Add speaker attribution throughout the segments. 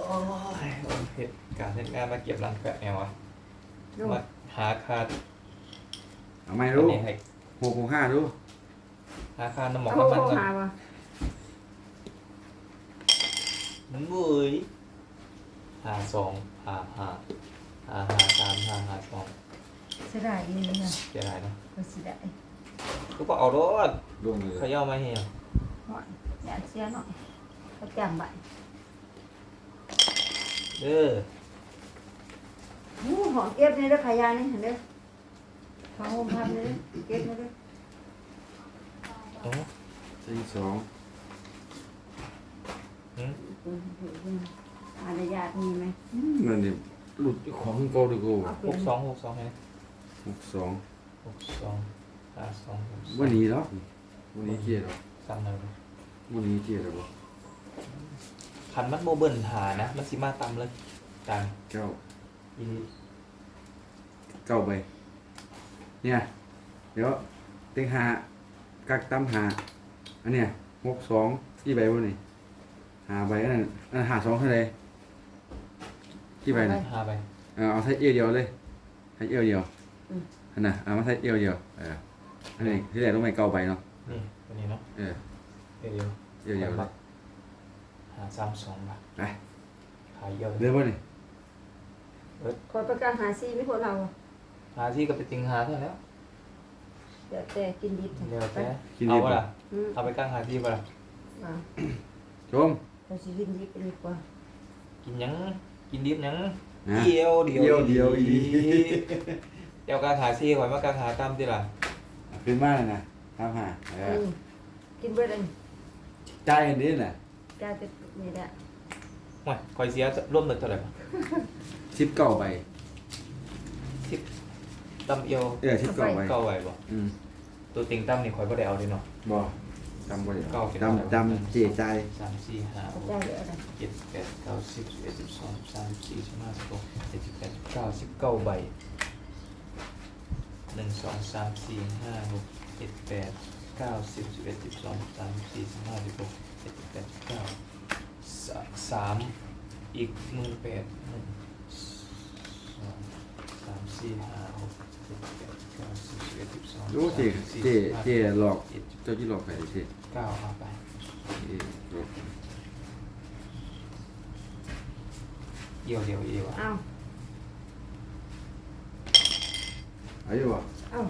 Speaker 1: ยเหตุการณ์เหตุงานมาเก็บรังแกะแนวอะ
Speaker 2: ดู
Speaker 1: มาหาคา
Speaker 3: เอาไม่
Speaker 1: อัน
Speaker 3: รู้
Speaker 1: นี้ให้
Speaker 3: 665ดู
Speaker 1: หาคาน้ำหมอก
Speaker 2: เอา
Speaker 1: น้ำมันก่อน
Speaker 2: หาว่ะ
Speaker 1: มันเว้ยหาสองหาสามหาสอง
Speaker 2: เสียดายนี่นะ
Speaker 1: เสียดายเนาะ
Speaker 2: ก็เสียดาย
Speaker 1: ก็เอารถ
Speaker 3: ลงเลย
Speaker 1: เขย่ามาเฮีย
Speaker 2: หน่อยอย่าเสียหน่อยก็จำไว้
Speaker 1: เด้อ
Speaker 2: หูหอมเก็บนี่เด้อขายานี่เห็นเด้อข้าวหอมทำนี่เด้อเก็บนี่เด้อ
Speaker 1: โอ้
Speaker 3: 42
Speaker 2: อะไรญาติมีไหม
Speaker 3: เงินนี่หลุดของเก่าดีกว่า
Speaker 1: หกสองไง
Speaker 3: 62
Speaker 1: หาสอง
Speaker 3: วันนี้เนาะวันนี้เกียร์หรอ
Speaker 1: ซ้ำเลย
Speaker 3: วันนี้เกียร์หรอบ่
Speaker 1: คันมันโมเบิลหานะมันสิมาตำเลยจัง
Speaker 3: เก้า
Speaker 1: อีนี่
Speaker 3: เก้าใบเนี่ยเดี๋ยวเต็งหากักตั้มหาอันเนี้ย62กี่ใบวะนี่หาใบอันนั้นอันหา2เท่าไหร่กี่ใบน่ะ
Speaker 1: หาไป
Speaker 3: เอาใส่เอวเดียวเลยใส่เอวเดียวอันน่ะเอามาใส่เอวเดียวอันนี้ที่แรกต้องไปเก้าใบเนาะ
Speaker 1: นี่ตัวนี้เนาะ
Speaker 3: เออ
Speaker 1: เดี๋ยว
Speaker 3: เอวเดียวเลย
Speaker 1: หาสามสองบาท
Speaker 3: ไป
Speaker 1: ขายเยอะ
Speaker 3: เริ่มวะนี่
Speaker 2: คอยประกาศหาซีไม่คนเรา
Speaker 1: หาที่ก็ไปติงหาเท่าแล้ว
Speaker 2: เดี๋ยวแต่กินดิบ
Speaker 1: เดี๋ยว
Speaker 2: ไป
Speaker 1: แต่เอาปะล่ะเอาไปกลางหาที่ปะล่ะ
Speaker 3: ชม
Speaker 2: เราสิกินดิบดีกว่า
Speaker 1: กินหยังกินดิบหยัง
Speaker 3: นะ
Speaker 1: เดียว
Speaker 3: เดียวอีหลี
Speaker 1: เดี๋ยวกลางหาที่ก่อนมากลางหาตามที่ล่ะ
Speaker 3: ขึ้นมาเลยนะทำหา
Speaker 2: กินเบิดอัน
Speaker 3: จ่ายอันนี้น่ะ
Speaker 2: กาจะนี่แหละ
Speaker 1: โอ้ยคอยเสียร่วมหนึ่งเท่าไหร่ปะ
Speaker 3: 19ใบ
Speaker 1: ตำเอียว
Speaker 3: 19ใบ
Speaker 1: เก้าไหวบ่
Speaker 3: อืม
Speaker 1: ตัวติงตั้มนี่คอยก็ได้เอาดิเนาะ
Speaker 3: บ่จำบ่ได้
Speaker 1: เก้าเก็บ
Speaker 3: จำเจจ่าย
Speaker 1: สามสี่ห้าห
Speaker 2: เขา
Speaker 1: ก
Speaker 2: ใจเหลืออะไร
Speaker 1: เจ็ดแปดเก้าสิบสิบเอ็ดสิบสองสิบสามสิบสี่สิบห้าสิบหกเจ็ดสิบแปดสิบเก้า19 ใบ1 2 3 4 5 6 7 8 9 10 11 12 13 14 15 16 17 18 19สามอีก18,000 1 2 3 4 5 6 7 8 9 10 11 12
Speaker 3: รู้เจหลอกเจ้าที่หลอกใครเจ
Speaker 1: 9เอาไป
Speaker 3: หลอก
Speaker 1: เดียวอีกวะ
Speaker 2: อ้าว
Speaker 3: อายุบ่
Speaker 2: อ้าว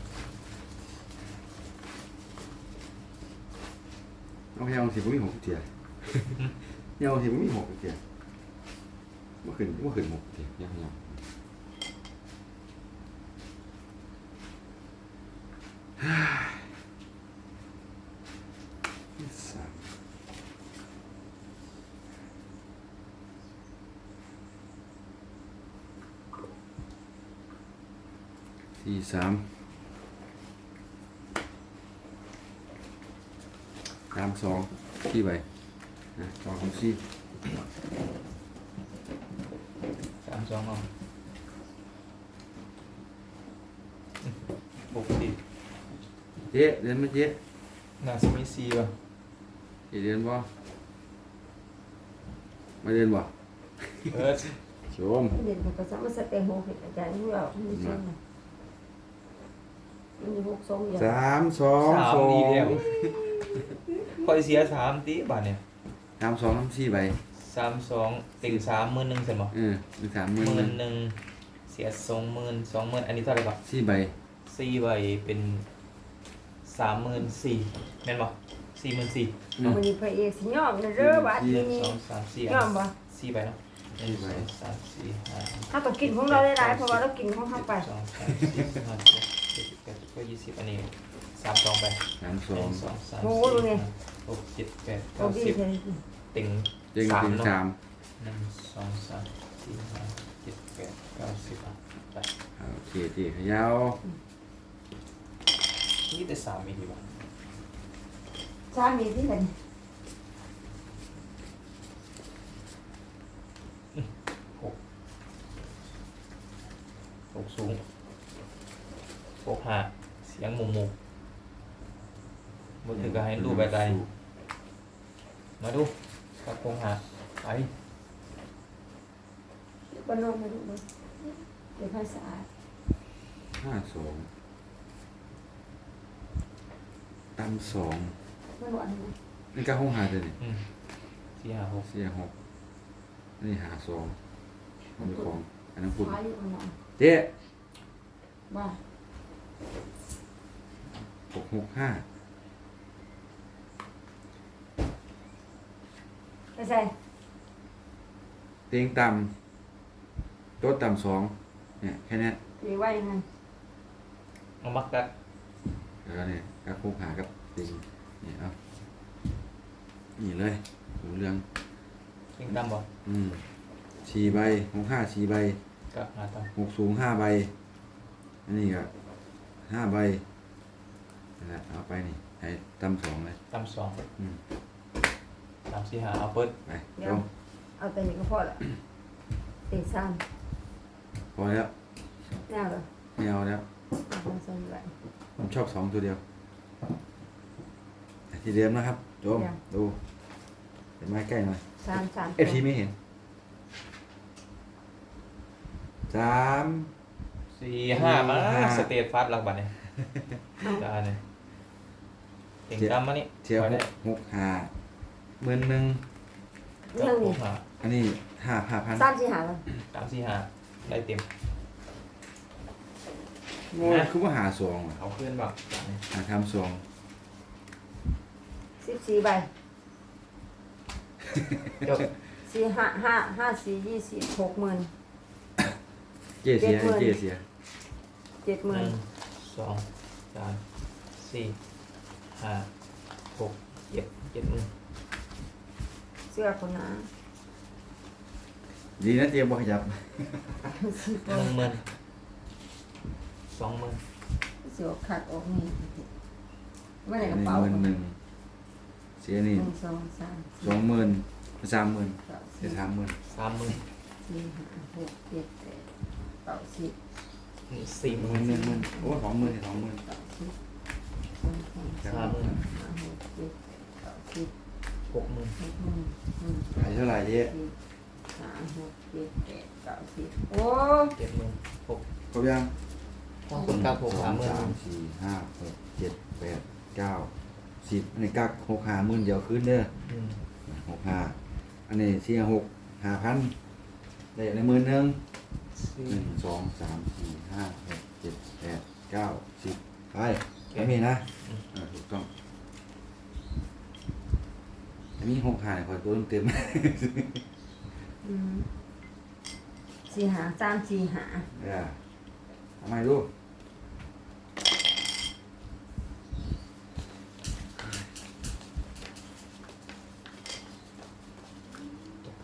Speaker 3: เอาแค่เอาสิบ่มี6เทียเนี่ยเอาสิบ่มี6เทียบ่ขึ้น6เทียยังสามสี่สามสองกี่ใบนะ2 3 4
Speaker 1: 32เอา6 10
Speaker 3: เจ๊เรียนไหมเจ๊
Speaker 1: น่าจะมี4ป่ะ
Speaker 3: เจ๊เรียนบ่มาเรียนบ่
Speaker 1: เออ
Speaker 3: ชม
Speaker 2: เด่นกับภาษามาสเตโฮเห็นอาจารย์เราไม่ใช่ไหมมันมี6 2อย่าง
Speaker 3: 3 2
Speaker 1: 3
Speaker 3: 2
Speaker 1: ดีแล้วคอยเสีย3ติบาทเนี่ย
Speaker 3: 3 2 3 4ใบ
Speaker 1: 32ติ่ง3 11,000ใช่บ่
Speaker 3: มี30,000
Speaker 1: 11,000เสีย20,000อันนี้เท่าไหร่บ่
Speaker 3: 4ใบ
Speaker 1: 4ใบเป็น34,000แม่นบ่44,000
Speaker 2: มันมีพระเอกสิยอมนะเด้อบาดนี้
Speaker 1: 2 3 4
Speaker 2: ยอมบ่
Speaker 1: 4ใบเนาะ1 2 3 4 5
Speaker 2: ถ้าต้องกินของเราได้หลายเพราะว่าเรากินของเขาไป
Speaker 1: 2 3 4 5 6 7 8 9 20อันนี้32ไป
Speaker 3: 3
Speaker 1: 1
Speaker 3: 2
Speaker 1: 2 3
Speaker 2: โอ้โหดูไง
Speaker 1: 4 5 6 7 8
Speaker 2: โอ้ดี
Speaker 1: 9 10
Speaker 2: ใช่
Speaker 1: ติ่ง
Speaker 3: เจ๊ง
Speaker 1: 3
Speaker 3: ถึง
Speaker 1: เนาะ
Speaker 3: 3
Speaker 1: 1 2 3 4 5 7 8 9 10อ่ะไป
Speaker 3: โอเคเจ๊ขยาว
Speaker 1: นี่แต่3มีดีกว่า
Speaker 2: สามีที่ไหน
Speaker 1: 6สูง6หาเสียงหมู่มือถือก็ให้รูปใบใดมาดูกับ6หาไป
Speaker 2: ก็นอกมาดูเลยเดี๋ยวภาษา
Speaker 3: 52ตำสอง
Speaker 2: ไม่หวานนะ
Speaker 3: นี่ก็ห้องหาเลยนี่
Speaker 1: สี่ห้าหก
Speaker 3: เสียหกอันนี้หาสองมีของอันนั้นคุณ
Speaker 2: ขายอยู่ข้างนอก
Speaker 3: เจ๊
Speaker 2: บ้า
Speaker 3: 665
Speaker 2: ไปใส่
Speaker 3: เตียงต่ำโต๊ะต่ำสองเนี่ยแค่เนี้ย
Speaker 2: ตีไว้ยังไง
Speaker 1: เอามักกัก
Speaker 3: แล้วก็เนี่ยก็คุกหากับเตียงนี่เอานี่เลยหูเรื่อง
Speaker 1: เก่งตำบ่
Speaker 3: สี่ใบ65สี่ใบ
Speaker 1: กักหาต
Speaker 3: 6สูง5ใบอันนี้ก็5ใบนั่นแหละเอาไปนี่ให้ต่ำสองเลย
Speaker 1: ำตำสอง
Speaker 3: อืม
Speaker 1: สามสี่ห้าเอาเปิด
Speaker 3: ไป
Speaker 2: เดี๋ย
Speaker 3: ล
Speaker 2: ว
Speaker 3: ง
Speaker 2: เอาแต่นี้ก็พอละตีซ้
Speaker 3: พอแล้ว
Speaker 2: ำแน่เลย
Speaker 3: ไม่เอาแล้ว
Speaker 2: เอาของใส่ไว้
Speaker 3: ผมชอบสองตัวเดียวทีเดิมนะครับโจมดูเป็นไม้ใกล้หน่อย
Speaker 2: สามสาม
Speaker 3: เอฟทีไม่เห็นสาม
Speaker 1: สี่ห้ามา
Speaker 3: ห้า
Speaker 1: สเตทฟาสหลักบัตรเนี่ยได้เนี่ยเก่งตำมานี่
Speaker 3: เทียว
Speaker 1: ไปได้
Speaker 3: 65,000 10,000
Speaker 2: เรื่อง
Speaker 1: ห
Speaker 2: นี้
Speaker 1: กห้า
Speaker 3: อันนี้5,000
Speaker 2: สามสี่หาเลย
Speaker 1: สามสี่ห้าได้เต็ม
Speaker 3: โอ้ยคือว่าหาสองว่ะ
Speaker 1: เอาขึ้นบ่
Speaker 3: หาทำสอง
Speaker 2: 14ใบ
Speaker 1: จบ
Speaker 2: สี่ห้าสี่20 60,000
Speaker 3: เจ๊เสีย
Speaker 2: 70,000
Speaker 3: เจ๊เสีย
Speaker 1: หนึ่ง
Speaker 2: 70,000
Speaker 1: สองสามสี่ห้าหกเจ็ดหมื่น
Speaker 2: เสื้อคนน้า
Speaker 3: ดีนะเจ๊บ่ขยับ
Speaker 1: หนึ่งหมื่นสองหมื่น
Speaker 2: เสื้อขัดออกนี่ไม่ได้กระ
Speaker 3: นี่
Speaker 2: เป๋า
Speaker 3: หมื่นเสียนี่
Speaker 2: 1 2 3
Speaker 3: 20,000 30,000
Speaker 2: 4
Speaker 3: เสีย30,000
Speaker 1: สามหมื่น
Speaker 2: 5 6 7 8 9 10
Speaker 1: นี่สี่หมื่
Speaker 3: หมื่
Speaker 1: น
Speaker 3: นโอ้20,000 20,000
Speaker 2: 30
Speaker 1: สามหมื่น
Speaker 2: 5 6 7 8 9 10
Speaker 1: หกหมื่น
Speaker 3: ขายเท่าไหร่เจ๊
Speaker 2: 3 6 7 8 9 10โอ้
Speaker 1: เจ็ดหมื่นหก
Speaker 3: ครบยัง
Speaker 1: ห้องคนเก้าหกสามหมื่น
Speaker 3: 2 3 4 5 6 7 8 9 10อันนี้กัก60,000เดี๋ยวคืนเด้อ
Speaker 1: อืม
Speaker 3: 65อันนี้4 6 5,000ได้ในหมื่นหนึง
Speaker 1: สี่
Speaker 3: 1 2 3 4 5 6 7 8 9 10ไปไม่มีนะถูกต้องอันนี้65คอยตัวเต็ม
Speaker 2: สี่หา3 4หา
Speaker 3: ทำไมดู
Speaker 1: ตกเอา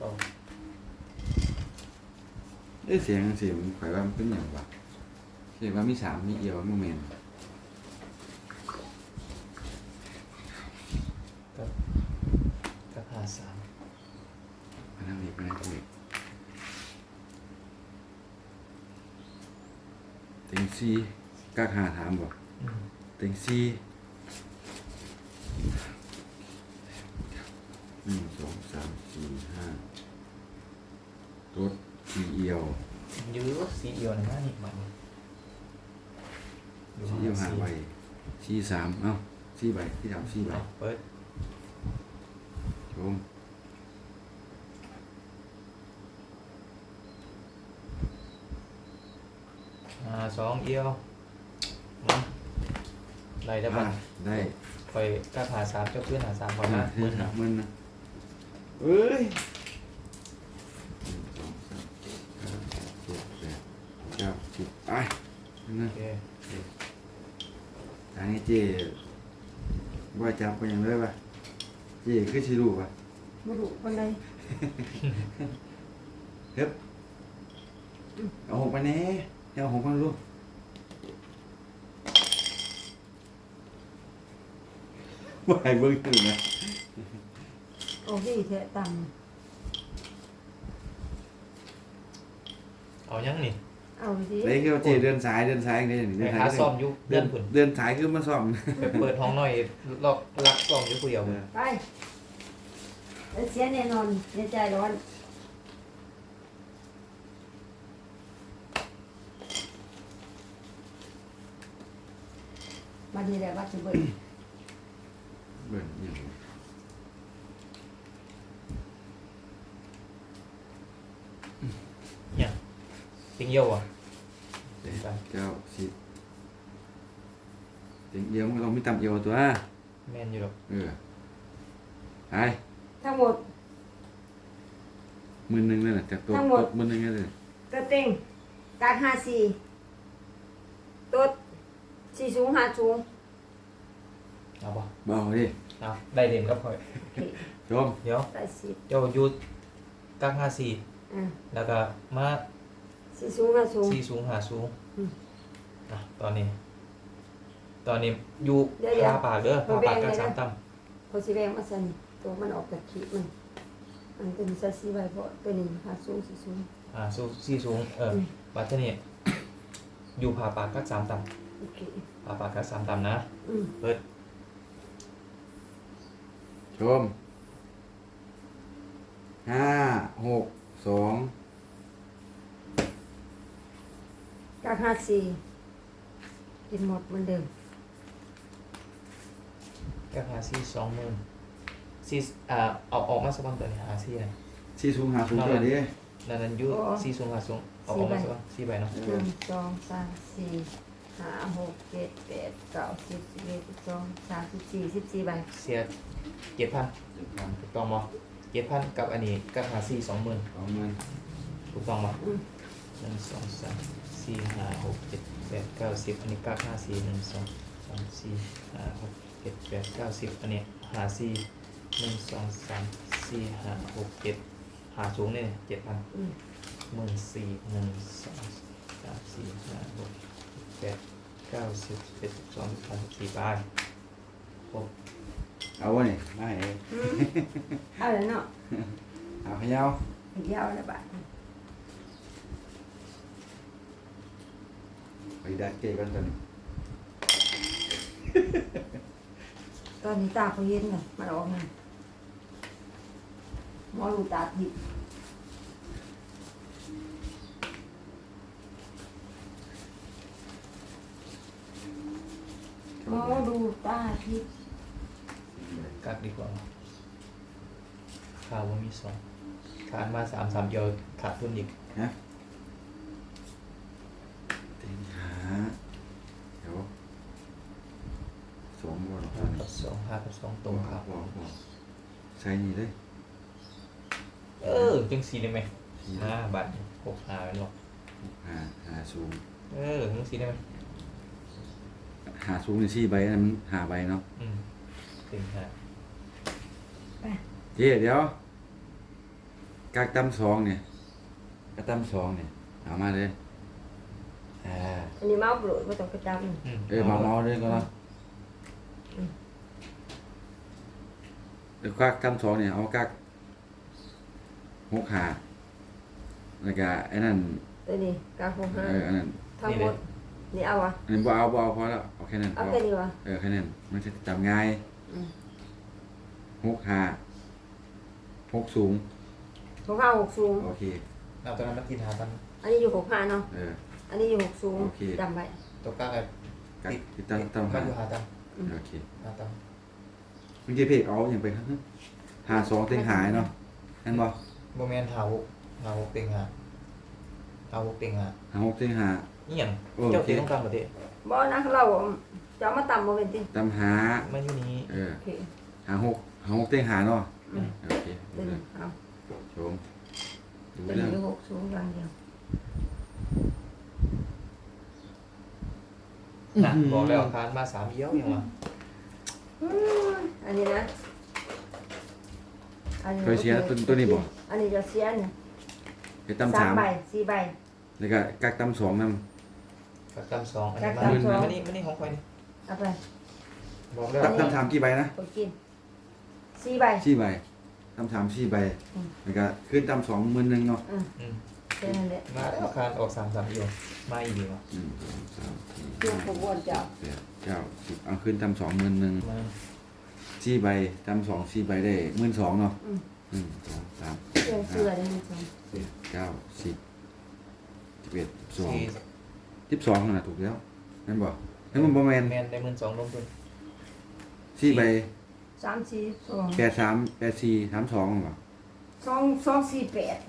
Speaker 3: เสียงข่อยว่ามันเป็นอย่างวะเสียงว่ามี3มีเอียวมีเมน
Speaker 1: กับหาสาม
Speaker 3: มานั่งอีกมานั่งอีกเต็งซีกักหาถามบ่
Speaker 1: อืม
Speaker 3: เต็งซี1 2 3 4 5รถสีเอียว
Speaker 1: ยื้อสีเอียวหนึ่งห้านี่มัน
Speaker 3: สีเอียวหาใบสี3เอ้าสีใบที่3สีใบ
Speaker 1: เอาเปิด
Speaker 3: ชม
Speaker 1: สองเอียวมาได้ได้ปะ
Speaker 3: ได้
Speaker 1: คอยกับหาสามเจ้าเพื่อนหาสามพอนะหมื่นนะ
Speaker 3: มันนะเอ้ย1 2 3 4 5 6 7 8 9 10ไปนั่
Speaker 1: โอน เค
Speaker 3: อันนี้เจ๊ว่าจับไปอย่างไรวะเจ๊คือชิลูปะ
Speaker 2: ไม่รู้คนใด
Speaker 3: เฮ้ยเอาหกไปแน่เอาหกมาลูกว่าให้เบิ้งตื่นนะ
Speaker 2: โอ้ดีเทะต่
Speaker 1: เอายังนี่
Speaker 2: ำเอาสิ
Speaker 3: เลยคือเจ๊เดินสายอย่างนี้
Speaker 1: ไปหาซ่อมอยู่เดือนผุน
Speaker 3: เดินสายคือมาซ่อม
Speaker 1: ไปเปิดห้องหน่อยล็อกลักซ่อมอยู่ผู้เดียว
Speaker 2: ไปเสียแน่นอนเสียใจร้อนมาดีแล้วว่าจะเบิด
Speaker 3: เบิ่งอย่าง
Speaker 1: เนี่ยติงเยี่ยวอ่ะ
Speaker 3: เจ็ดเก้าสิบเต็งเอียวมันเราไม่ต่ำเอียวตัว
Speaker 1: แมนอยู่หรอก
Speaker 3: เออไป
Speaker 2: ทั้งหมด
Speaker 3: มือหนึ่งเลยนะจากตัว
Speaker 2: ทั้งหมด
Speaker 3: ตบมือหนึ่งเลย
Speaker 2: กระเต็งการ54ตัว4สูง5สูง
Speaker 1: เอาปะ
Speaker 3: เบาดิ
Speaker 1: เอาได้เด่นก็พอ
Speaker 2: โอเค
Speaker 3: ชม
Speaker 1: เดี๋ยว
Speaker 2: ได้10
Speaker 1: เจ้ายุดกัก54 แล้วก็มา
Speaker 2: 4สูง5สูง
Speaker 1: 4สูง5สูง
Speaker 2: อืม
Speaker 1: อ่ะตอนนี้อยู่
Speaker 2: เดี๋ยว
Speaker 1: พาปากเด้อพาปากกัก
Speaker 2: เดี๋ยว
Speaker 1: สามต่
Speaker 2: เขาสิแบ่งมาใส่นี่ตัวมันออกจากขีดมันตัวนี้ใส่4ใบเพราะตัวนี้5สูง4สูง
Speaker 1: ำสู้4สูงบัดเทอนี่อยู่พาปากกักสามต่
Speaker 2: โอเค
Speaker 1: ำพาปากกักสามต่ำนะ เปิด
Speaker 3: ชมห้าหกสอง
Speaker 2: การ54กินหมดเหมือนเดิม
Speaker 1: กัก54 20,000เอาออกมาสักวันตัวนี้54นะ
Speaker 3: สี่สูงหาสูงตัวดิ
Speaker 1: นั่นอยู่4สูง5สูงเอาออกมาสักวัน4ใบเนาะ
Speaker 2: 1 2 3 4 5 6 7 8 9 10 11 12 13 14 14ใบ
Speaker 1: เสีย7,000ถูกต้องบ่7,000กับอันนี้กัก54 20,000
Speaker 3: สองหมื่น
Speaker 1: ถูกต้องบ่
Speaker 2: อืม
Speaker 1: 1 2 3 4 5 6 7 8 9 10อันนี้กัก54 1 2 3 4 5 6 7 8 9 10อันนี้54 1 2 3 4 5 6 7หาสูงนี่7,000
Speaker 2: อืม
Speaker 1: 14 1 2 3 4 5 6 8 9 10 11 12 13 14ไปครบ
Speaker 3: เอาวะนี่ไม่
Speaker 2: เอาเลยเนาะ
Speaker 3: เอาขยาว
Speaker 2: อีกยาวแล้วบาท
Speaker 3: ไปดัดเกกันตอนนี้
Speaker 2: ตอนนี้ตาเขาเย็นเลยมันออกมาหมอดูตาทิพย์หมอดูตาทิพย์
Speaker 1: กักดีกว่าข่าวว่ามีสองขาดมา3 เดียวขาดทุนอีก
Speaker 3: ฮะเต็งหาเดี๋ยวสองบอล
Speaker 1: 5 กับ 2 5 กับ 2 ตรงครับ
Speaker 3: บอกใส่นี่เลย
Speaker 1: จังสีได้ไหม5 บาท6 5เป็นหรอก
Speaker 3: หาสูง
Speaker 1: จังสีได้ไหม
Speaker 3: หาสูงในสี่ใบนั้นมันหาใบเนาะ
Speaker 1: ถึง5
Speaker 2: ไป
Speaker 3: เจ๊เดี๋ยวกากตั้มสองเนี่ยกากตั้มสองเนี่ยเอามาเลยอ่า
Speaker 2: อันนี้เมาส์โปรดไม่ต้องกระจำ
Speaker 3: เมาเลยก็เนาะเดี๋ยวกากตั้มสองเนี่ยเอากากหกหาแล้วก็ไอ้นั่น
Speaker 2: ตัวนี้กาโคห้า
Speaker 3: อันนั้น
Speaker 2: ทั้งหมดนี่เอาวะ
Speaker 3: อันนี้บ่เอาพอแล้วเอาแค่นั้น
Speaker 2: เอาแค่นี้วะ
Speaker 3: แค่นั้นมันจะจำง่าย
Speaker 2: อืม
Speaker 3: หกหาหกสูง
Speaker 2: 65 6สูง
Speaker 3: โอเค
Speaker 1: เอาตอนนั้นมากินหาตัน
Speaker 2: อันนี้อยู่65เนาะ อันนี้อยู่6สูง
Speaker 3: โอเค
Speaker 2: จำไว้
Speaker 1: ตกกักกัน
Speaker 3: กักติดตั้ง
Speaker 1: กั
Speaker 3: หาก
Speaker 1: อยู่หาตัน
Speaker 3: โอเค
Speaker 1: หาตัน
Speaker 3: มึงจะเพกเอาอย่างไปหาสองเต็งหายเนาะนั่นบ่
Speaker 1: โมเมนต์หา6เต็ง6เต็งหา
Speaker 3: หาหกเต็งหา
Speaker 1: นี่อย่าง
Speaker 3: โอเค
Speaker 1: เจ้าตีต้องการประเทศ
Speaker 2: บ่นะเราจะเอามาต่ำบ่เป็นติ
Speaker 3: ตามหา
Speaker 1: ไม่อยู่นี้
Speaker 2: โอเค
Speaker 3: หาหกเต็งหาเนาะโอเค
Speaker 2: ตัวนี้เอา
Speaker 3: ชมดู
Speaker 2: ตัว
Speaker 3: เรื่
Speaker 2: นี้
Speaker 3: อง
Speaker 2: อยู่6สูงอย่างเดียว
Speaker 1: นะบอกแล้วคานมา3 เยี่ยวยังวะ
Speaker 2: อันนี้นะอันนี้
Speaker 3: เคยเชียร์ตัวนี้บ่
Speaker 2: อันนี้จะเสียเนี่ย
Speaker 3: ไปตั้ม
Speaker 2: 3
Speaker 3: สาม
Speaker 2: ใบ4ใบ
Speaker 3: แล้วก็กักตั้มสองน
Speaker 1: กักตั้ม2อันนี้
Speaker 2: กักตั้มสอง
Speaker 1: มานี่ของใครนี่
Speaker 2: เอาไป
Speaker 1: บอกแล้ว
Speaker 3: ำกักตั้มสามกี่ใบนะ
Speaker 2: ไปกิน4ใบ
Speaker 3: สี่ใบตั้มสามสี่ใบแล้วก็ขึ้นตั้มสองหมื่นหนึ่งเนาะ
Speaker 2: แค่นั้นแหละ
Speaker 1: มาแล้วคานออก3 เยี่ยวมาอีกดีวะ
Speaker 3: หนึ่งสองสามสี่
Speaker 2: เกี่ยวกับวนเจ้า
Speaker 3: แปดเก้าสิบเอาขึ้นตั้มสองหมื่นหนึ่ง
Speaker 1: มา
Speaker 3: สี่ใบตั้มสองสี่ใบได้12,000เนาะ
Speaker 2: อืม
Speaker 3: หนึ่งสองสาม
Speaker 2: เสื้อเสื้อได้ไหมจ๊ะ
Speaker 3: แปดเก้าสิบ11 12
Speaker 1: สี่
Speaker 3: 12นั่นน่ะถูกแล้วนั่นบ่เอให้มันบ่แม่น
Speaker 1: แมนได้12,000ลงทุน
Speaker 3: สี่ใบ
Speaker 2: 3 4 2
Speaker 3: 83 84 32บ่
Speaker 2: 2 4 8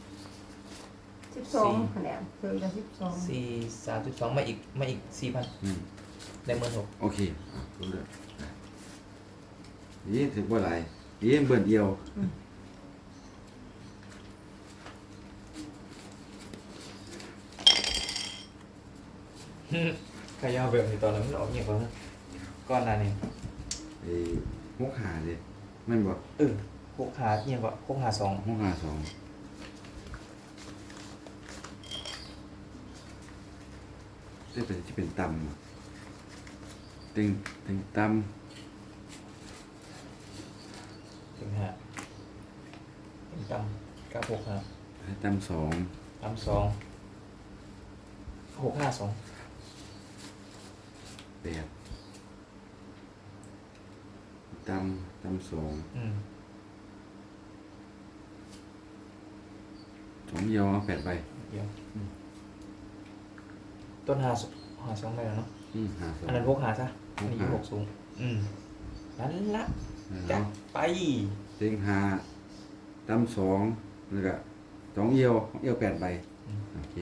Speaker 2: 12คะแนนเพิ่มกับ12
Speaker 1: 4 32มาอีก 4,000
Speaker 3: อืม
Speaker 1: ได้16,000
Speaker 3: โอเครู้เรื่องนี่ถึงบ่หลายนี่เบิ่นเดียว
Speaker 1: ขยาวแบบนี้ตอนนั้นมันออกเงียบกว่านะก้อนหนั้นนี่
Speaker 3: ไอ้หกหาดิแม่นบ่
Speaker 1: พกหาเงียบกว่าพกหา2
Speaker 3: หกหาสองได้เป็นที่เป็นตำอะตึงต
Speaker 1: ถึงหาเป็นตำกับ6หา
Speaker 3: ำตำสอง
Speaker 1: ตำ2 6 5 2
Speaker 3: แปดตำสอง สองเดียวเอา8ใบ
Speaker 1: เดี๋ยวต้นหา2ไปแล้วเนาะ
Speaker 3: หาสอง
Speaker 1: อันนั้นพกหาซะอันนี้
Speaker 3: พกหา
Speaker 1: 6สูงนั่นละ
Speaker 3: แล้
Speaker 1: จั
Speaker 3: ว
Speaker 1: ดไป
Speaker 3: เต็งหาตำสองแล้วก็สองเอียว8ใบโอเค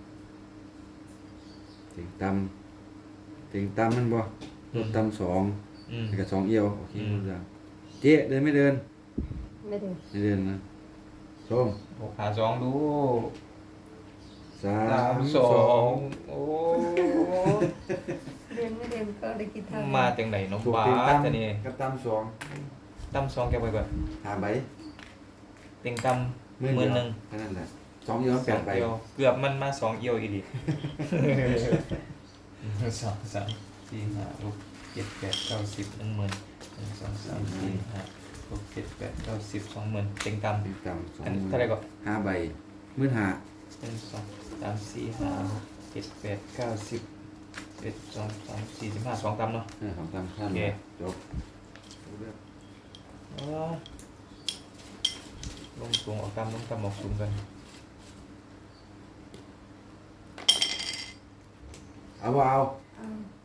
Speaker 3: เต็งตำมันบ่รถตำสอง แล้วก็สองเอียวโอเครู้เรื่องเจ๊เดินไม่เดิน
Speaker 2: ไม่ถึง
Speaker 3: ไม่เดินนะชม
Speaker 1: พกหา2ดู
Speaker 3: สา
Speaker 1: โอ้
Speaker 2: เรียนไม่เรียนก็ได้กินทาง
Speaker 1: มาจังไหนน้อง
Speaker 3: ถูก
Speaker 1: บ้า
Speaker 3: เต็ง
Speaker 1: ส
Speaker 3: ตำ
Speaker 1: จะนี่
Speaker 3: กับตำสอง
Speaker 1: ตั้ม2แกไปก่อน
Speaker 3: หาใบ
Speaker 1: เต็งตั้มหมื่นหนึ่ง
Speaker 3: แค่นั้นแหละสองเอียว8ใบ
Speaker 1: เอียวเกือบมันมา2เอียวอีกดิ สองสามสี่ห้าหกเจ็ดแปดเก้าสิบ10,000 1 2 3 4 5 6 7 8 9 10 20,000เต็งตั้ม
Speaker 3: เต็งตำสอง
Speaker 1: อันนี้เท่าไหร่ก่อน
Speaker 3: ห้าใบมื้อหา
Speaker 1: 1 2 3 4 5 6 7 8 9 10 11 12 13 14 15 2ตั้มเนาะ
Speaker 3: สองตำข้าม
Speaker 1: โอเค
Speaker 3: จบรู้เรื่อง
Speaker 1: อ๋อลงสูงออกตั้มลงตั้มออกสูงกัน
Speaker 3: เอาบ่เอา
Speaker 2: เอา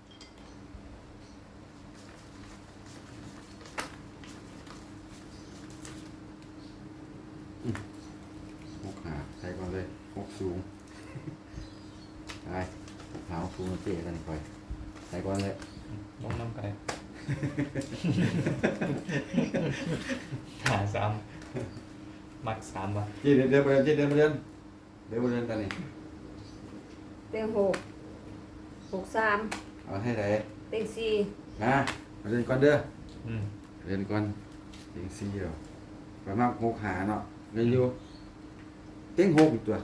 Speaker 3: หกหาใส่ก่อนเลยหกสูงไปหาหกสูงเจ๊กันไปใส่ก่อนเลย
Speaker 1: ลงน้ำกันเลยหา3มัก3ว่ะ
Speaker 3: เจ๊เดินไปเจ๊เดินไปเดินกันนี่
Speaker 2: เต็ง6 3
Speaker 3: เอาให้ไหน
Speaker 2: เต็ง4
Speaker 3: มาเดินก่อนเด้อ
Speaker 1: อืม
Speaker 3: เดินก่อนเต็งสี่แล้วไปมากหกหาเนาะเงินอยู่เต็งหกอีกตัว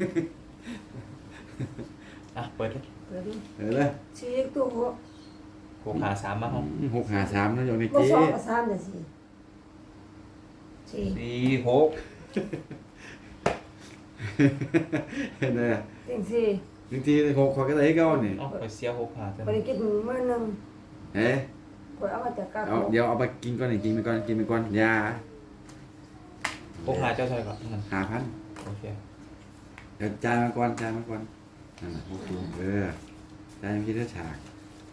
Speaker 1: อ่ะเปิดเลย
Speaker 2: เปิดดู
Speaker 3: เออเลย
Speaker 2: ชี้ตัวหัว
Speaker 1: 6หา3มาห้อง
Speaker 3: หกหาสามนะโยมใน
Speaker 2: บ่
Speaker 3: เจ๊
Speaker 2: สองกับ3น่ะสิสี่
Speaker 1: 4 6
Speaker 3: เห็นไหม
Speaker 2: เต็งสี่
Speaker 3: บางทีหกขอก็ได้ให้เก้านี่
Speaker 1: อ๋อไปเสีย6หาเท่า
Speaker 2: บ่
Speaker 1: นั้น
Speaker 2: ได้กินมื้อหนึง
Speaker 3: เฮ้ย
Speaker 2: ข่อยเอามาจากกา
Speaker 3: เอาเดี๋ยวเอาไปกินก่อนนี่กินไปก่อนยา
Speaker 1: 6หาเจ้าเท่าไหร่ก่อนนั่น
Speaker 3: 5,000
Speaker 1: โอเค
Speaker 3: เดี๋ยวจ่ายมาก่อนนั่นแหละหกสูงจ่ายมาคิดได้ฉาก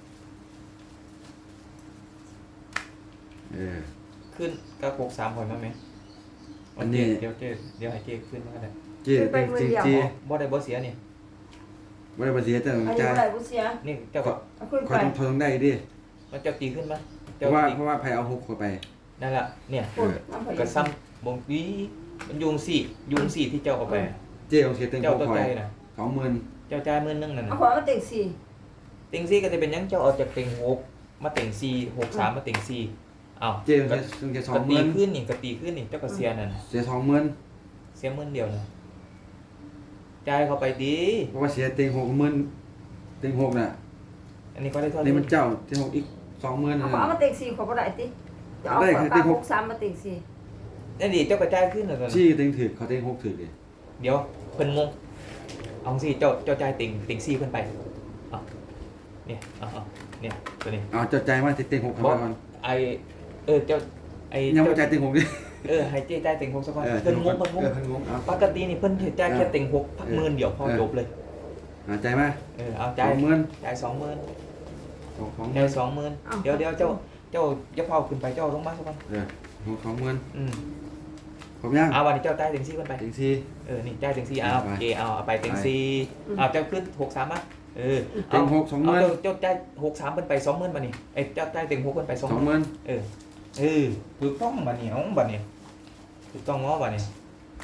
Speaker 1: ขึ้นก็6 3พอมั้ยแม่
Speaker 3: อันนี้
Speaker 1: เดี๋ยวให้เจ๊ขึ้นมาก็ได้
Speaker 3: เจ๊เต็งจริงจี
Speaker 1: บ่ได้บ่เสียนี่
Speaker 3: ไม่ได้ภาษีแต่ต้
Speaker 2: อั
Speaker 3: อน ง
Speaker 2: นี้
Speaker 3: จ่าย
Speaker 2: บ่ได้บ่เสีย
Speaker 1: นี่เจ้าก็
Speaker 2: เอาขึ้น
Speaker 3: ค
Speaker 2: ไป
Speaker 3: อยต้องได้ดิ
Speaker 1: มันเจ้าตีขึ้นมา
Speaker 3: เพ
Speaker 1: เจ้า
Speaker 3: ราะว่า
Speaker 1: ตี
Speaker 3: ไผเอาหกเข้าไป
Speaker 1: นั่นล่ะเนี่ย
Speaker 2: พูดน้ำไป
Speaker 1: ก็ซ้ำบ่งวีมันยุงสี่ที่เจ้าเอาไป
Speaker 3: เจ๊ต้องเสียเต็ง
Speaker 1: เจ้า
Speaker 3: หก
Speaker 1: ตัว
Speaker 3: คอ
Speaker 1: ใจ
Speaker 3: ย
Speaker 1: น่ะ
Speaker 3: 20,000
Speaker 1: เจ้าจ่ายมื้อนึงนั่น
Speaker 2: เอา
Speaker 1: น่ะ
Speaker 2: ขอมาเต็งสี่
Speaker 1: เต็ง4ก็จะเป็นหยังเจ้าเอาจากเต็ง6มาเต็ง4 6 3มาเต็ง4อ้าว
Speaker 3: เจ๊ต้องเสีย
Speaker 1: ก็ตี
Speaker 3: 20,000
Speaker 1: ขึ้นนี่ก็ตีขึ้นนี่เจ้าก็เสียนั่นน่ะ
Speaker 3: เสีย20,000
Speaker 1: เสียมื้อเดียวน่ะจ่ายเข้าไปดี
Speaker 3: เพราะว่าเสียเต็ง60,000เต็งหกน่ะ
Speaker 1: อันนี้ก็ได้เท่าไหร่
Speaker 3: นี่มันเจ้าเต็งหกอีก20,000
Speaker 2: เอา
Speaker 3: นะ
Speaker 2: ขอมาเต็งสี่ขอบ่ได้ติจะเอา
Speaker 3: ได้
Speaker 2: ขอ
Speaker 3: คือ
Speaker 2: ป
Speaker 3: เต็
Speaker 2: ลาง
Speaker 3: ห
Speaker 2: ห
Speaker 3: ก
Speaker 2: กสามมาเต็งสี่
Speaker 1: นั่นดิเจ้าก็จ่ายขึ้นน่ะตอนนั้น
Speaker 3: ชี้เต็งถึกเขาเต็งหกถึกดิ
Speaker 1: เดี๋ยวเพิ่นงงเอาสิเจ้าจ่ายติ่งซี่เพิ่นไปเอาเนี่ยเอาเนี่ยตัวนี้
Speaker 3: เอาเจ้าใจายมาเต็งหกเข้าไปก่อน
Speaker 1: ไอเจ้าไอ
Speaker 3: ยังบ่
Speaker 1: เจ้า
Speaker 3: จ่ายเต็งหกดิ
Speaker 1: ให้เจ้จ่ายติ่งหกสักก่อน
Speaker 3: เออ
Speaker 1: เพิ่นงง
Speaker 3: เพิ่นงงเอา
Speaker 1: ปกตินี่เพิ่นสิจ่ายแค่ติ่งหกพักหมื่นเดียวพอจบเลย
Speaker 3: เอาใจายมา
Speaker 1: เอาจ่าย
Speaker 3: 20,000
Speaker 1: จ่าย20,000
Speaker 3: ของ
Speaker 1: เดี๋ยว20,000เดี๋ยวเจ้าอย่าเผาขึ้นไปเจ้าลงมาสักวัน
Speaker 3: ของเงิน
Speaker 1: อืม
Speaker 3: ผมยัง
Speaker 1: เอาวันนี้เจ้าจ่ายเต็งซี่กันไป
Speaker 3: เต็งสี่
Speaker 1: นี่จ่ายเต็งซี่เอาโอเคเอาไปเต็งซี่เอาเจ้าขึ้น63มา
Speaker 3: เต็งหก20,000
Speaker 1: เจ้าจ่าย63เป็นไป20,000มานี่เจ้าจ่ายเต็ง6เป็นไป20,000
Speaker 3: 20,000
Speaker 1: ถูกต้องบัดนี้บัดนี้ถูกต้องง้อบัดนี้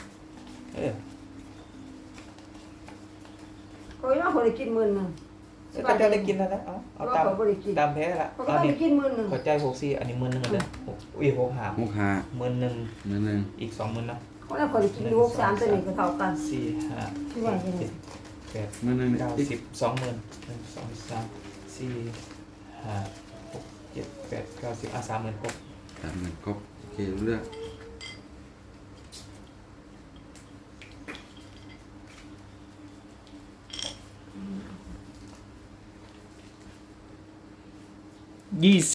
Speaker 2: ก็ยังคนได้กินมื้อนึง
Speaker 1: ก็จะได้กินแล้วนะเอาตาม
Speaker 2: ก็บ่ได้กิน
Speaker 1: ตามแพ้ละ
Speaker 2: ก็
Speaker 1: เอา
Speaker 2: ต้อง
Speaker 1: นี่
Speaker 2: ได้กินมื้อนึง
Speaker 1: ขอใจ64อันนี้10,000กันเด้ออุ้ย6หา
Speaker 3: หกห้า
Speaker 1: 10,000
Speaker 3: เงินหนึ่ง
Speaker 1: อีก20,000เนาะ
Speaker 2: ก็แล้วคนได้กินอยู่63ตัวนี้ก็เท่ากัน
Speaker 1: 4 5
Speaker 2: ที่ว่าอย่างนี้
Speaker 1: 7
Speaker 3: เงินหนึ่ง
Speaker 1: 8
Speaker 3: อีก
Speaker 1: 9 10 20,000 1 2 3 4 5 6 7 8 9 1030,000ครบ
Speaker 3: 30,000ครบโอเครู้เรื่อง